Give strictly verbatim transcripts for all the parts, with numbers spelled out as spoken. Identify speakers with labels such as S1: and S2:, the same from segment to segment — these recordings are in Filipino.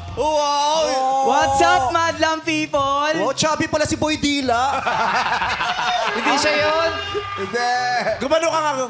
S1: Wow!
S2: What's up, madlang people?
S1: Wow, chubby pala si Boy Dila.
S3: Hindi siya yun.
S4: Hindi.
S1: Gumano ka nga.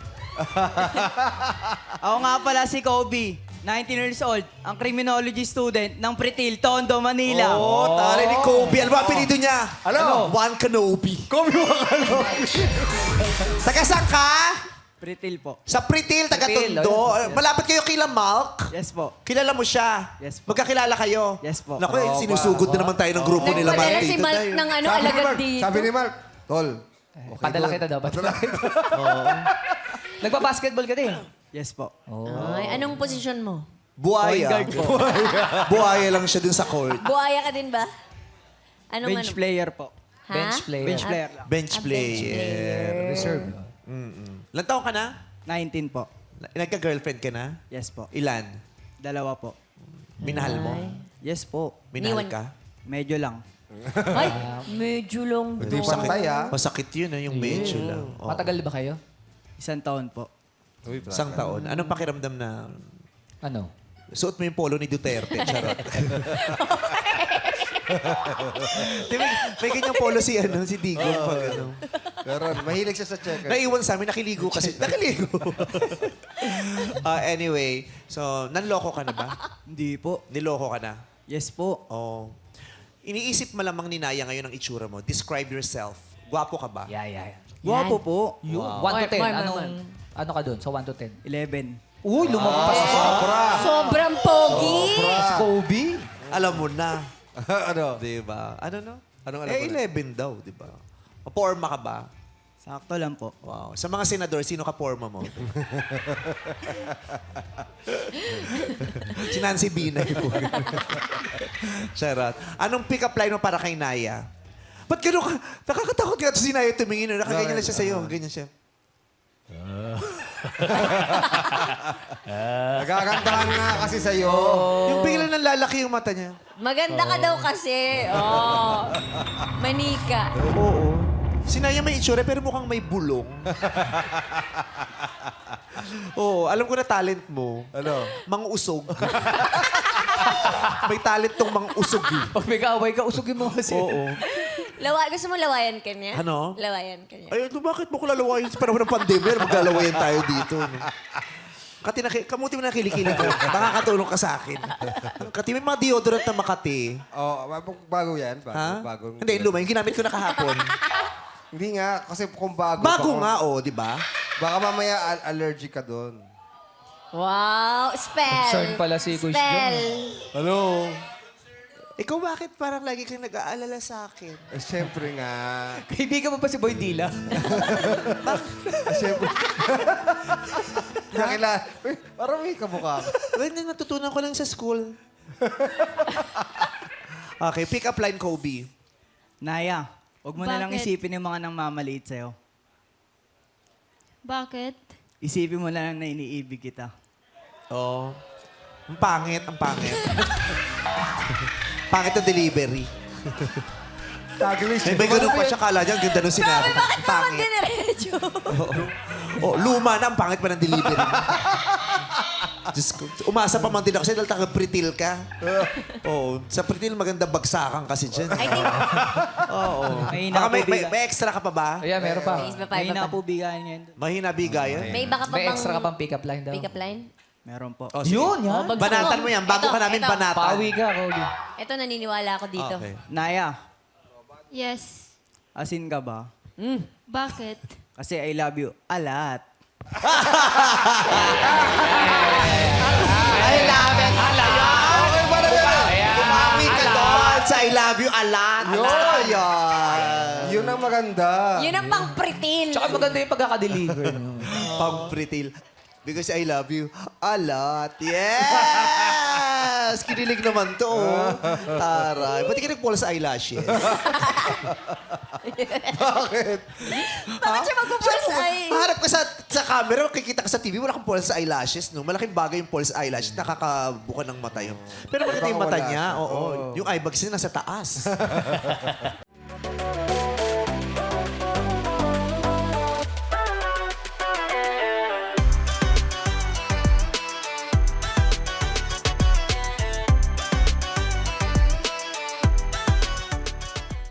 S2: Ako nga pala si Kobe, nineteen years old, ang criminology student ng Pretil, Tondo, Manila.
S1: Oh, tari ni Kobe. Ano ba ang apelido niya?
S4: Ano?
S1: Juan Kenobi.
S4: Kobe mo Kenobi.
S1: Taga saan ka?
S2: Pretil po.
S1: Sa Pritil, taga
S2: Pritil,
S1: Tondo.
S2: ayun.
S1: Malapit kayo kila Malk.
S2: Yes po.
S1: Kilala mo siya.
S2: Yes po.
S1: Magkakilala kayo.
S2: Yes po.
S1: Naku, eh, sinusugod na naman tayo ng grupo nila.
S5: Nagpadala
S1: Mark.
S5: si
S1: Dito
S5: Mark
S1: tayo.
S5: ng ano,
S4: Sabi ni
S5: alagad
S4: Mark,
S5: dito.
S4: sabi ni Mark, Tol, okay,
S3: Padala
S4: Tol.
S3: kita daw.
S4: Padala kita.
S3: Nagpa-basketball ka din.
S2: Yes po.
S5: Ay, anong posisyon mo?
S1: Buhaya.
S2: Point guard po.
S1: Buhaya lang siya dun sa court.
S5: Buhaya ka din ba? Anong
S2: Bench
S5: ano?
S2: player po.
S5: Ha?
S3: Bench player.
S2: Bench player lang.
S1: Bench
S5: Ah, bench
S1: player.
S3: Reserve.
S1: Ilan taon ka na?
S2: nineteen po.
S1: Nagka-girlfriend ka na?
S2: Yes po.
S1: Ilan?
S2: Dalawa po.
S1: Minahal mo?
S2: Yes po.
S1: Minahal
S5: Iniwan-
S1: ka?
S2: Medyo lang.
S5: Ay, medyo long
S4: Hindi
S5: daw.
S4: pa patay, ah.
S1: Masakit yun, ah, yung medyo lang. Oh.
S3: Matagal ba kayo?
S2: Isang taon po.
S1: Isang taon. Anong pakiramdam na
S3: Ano?
S1: suot mo yung polo ni Duterte? Charot. Di, may, may ganyang polo si, ano, si Digong. Pag, ano.
S4: Pero mahilig siya sa checker.
S1: Naiwan sa amin, nakiligo kasi. Nakiligo. Ah, anyway, so, nanloko ka na ba?
S2: Hindi po.
S1: Niloko ka na?
S2: Yes po.
S1: Oh. Iniisip malamang ni Naya ngayon ang itsura mo. Describe yourself. Gwapo ka ba?
S3: Yeah, yeah, yeah.
S2: Guwapo po.
S3: Yun.
S1: Wow.
S3: one to ten.
S5: Mark, Mark,
S3: Anong,
S5: Mark.
S3: ano ka dun? Sa one to ten?
S2: eleven.
S3: Uy, lumagpas pa.
S4: Sobra.
S5: Sobrang pogi.
S3: Si Kobe.
S1: Alam mo na.
S4: ano?
S1: Di ba? Ano no?
S4: Anong alam
S1: Eh,
S4: mo na?
S1: eleven daw, di ba? Porma ka ba?
S2: Sakto lang po.
S1: Wow. Sa mga senador, sino ka porma mo? si Nancy Binay po. Charot. Anong pick-up line mo para kay Naya? Ba't gano'n ka? Nakakatakot ka si Naya tumingin. no? Nakaganyan na siya sa'yo. Ganyan siya.
S4: Nagagandahan nga kasi sa'yo.
S1: Yung bigla nang lalaki yung mata niya.
S5: Maganda ka daw kasi. Oh. Manika.
S1: Oo. Si Naya may itsura pero mukhang may bulong. Oo, alam ko na talent mo.
S4: Ano?
S1: Mang-usog. may talent tong mang-usog. eh.
S3: Pag may kaaway ka, usugin mo kasi.
S1: Oo.
S5: Lawa, gusto mo lawayan ka niya?
S1: Ano?
S5: Lawayan ka niya.
S1: Ay, ano, bakit mo ko lalawayan sa panahon ng pandemya? Maglalawayan tayo dito. No? Kati, naki, kamuti mo na kilikili ko. Makakatulong ka sa akin. Kati, may mga deodorant na Makati.
S4: Oh, bago yan. Bago,
S1: Ha?
S4: bago.
S1: Hindi, luma. Yung ginamit ko na kahapon.
S4: Hindi nga, kasi kung bago.
S1: Bago
S4: baka-
S1: nga, oh, di ba?
S4: Baka mamaya al- allergic ka doon.
S5: Wow. Spell.
S3: Concerned pala si Kuya
S5: Spell.
S4: Ano?
S1: Ikaw bakit parang lagi kang nag-aalala sa akin?
S4: Eh, siyempre nga.
S3: Kaibigan mo pa si Boy Dila?
S4: Eh, siyempre. Nakilala. Uy, parang may kamukha ka.
S1: Well, na- natutunan ko lang sa school. Okay, pick up line, Kobe.
S2: Naya, huwag mo na lang
S6: Bakit?
S2: isipin yung mga nang mamaliit sa'yo.
S6: Bakit?
S2: Isipin mo na lang na iniibig kita.
S1: Oh. Ang pangit, ang pangit. pangit ang delivery.
S4: Taglish.
S1: May, may ganun pa siya, kala niya, ang ganda nung sinabi.
S5: Bakit naman
S1: Pangit.
S5: diniretso?
S1: Oh, luma na, ang pangit pa ng delivery. Diyos ko, umasa pa man din ako sa'yo dahil taga-pritil ka. Oo, sa pritil maganda bagsakan kasi dyan.
S5: I think,
S1: Oo.
S2: Mahina
S1: Baka
S2: po
S1: may, may,
S2: bigayan.
S1: may extra ka pa ba?
S3: Ayan, meron pa.
S5: May iba pa, iba
S2: Mahina
S5: pa.
S2: po bigayan ngayon.
S1: Mahina bigayan?
S5: May baka pa
S3: May
S5: bang
S3: extra ka pang pick-up line daw.
S5: pick-up line?
S2: Meron po.
S1: Oh, sige.
S3: Yun, yan.
S5: bagsak
S1: Banatan mo yan, bago
S5: Ito,
S1: ka namin
S5: ito.
S1: banatan.
S3: Pawi ka, Kobe.
S5: Ito, naniniwala ako dito.
S1: Okay.
S2: Naya,
S6: Yes.
S2: asin ka ba?
S6: Bakit?
S2: Kasi I love you a lot.
S1: I love it. A lot. Okay ba na yan? Umawi ka doon sa I love you a lot. Yun. Yun.
S4: Yun ang maganda.
S5: Yun ang pang pritil.
S3: Tsaka maganda yung pagkakadeliver. no?
S1: Pang-pritil. Because I love you a lot. Yes! Kinilig naman to. oh. Taray. Ba't di ka nag-false eyelashes?
S4: Bakit?
S5: Bakit siya magpo-false eye?
S1: Maharap ka sa, sa camera, makikita ka sa T V, wala kang false eyelashes. No? Malaking bagay yung false eyelash. Nakakabuka ng mata yun. Pero maganda yung mata
S4: Baka wala
S1: niya.
S4: siya.
S1: Oo. Yung eyebags niya nasa taas.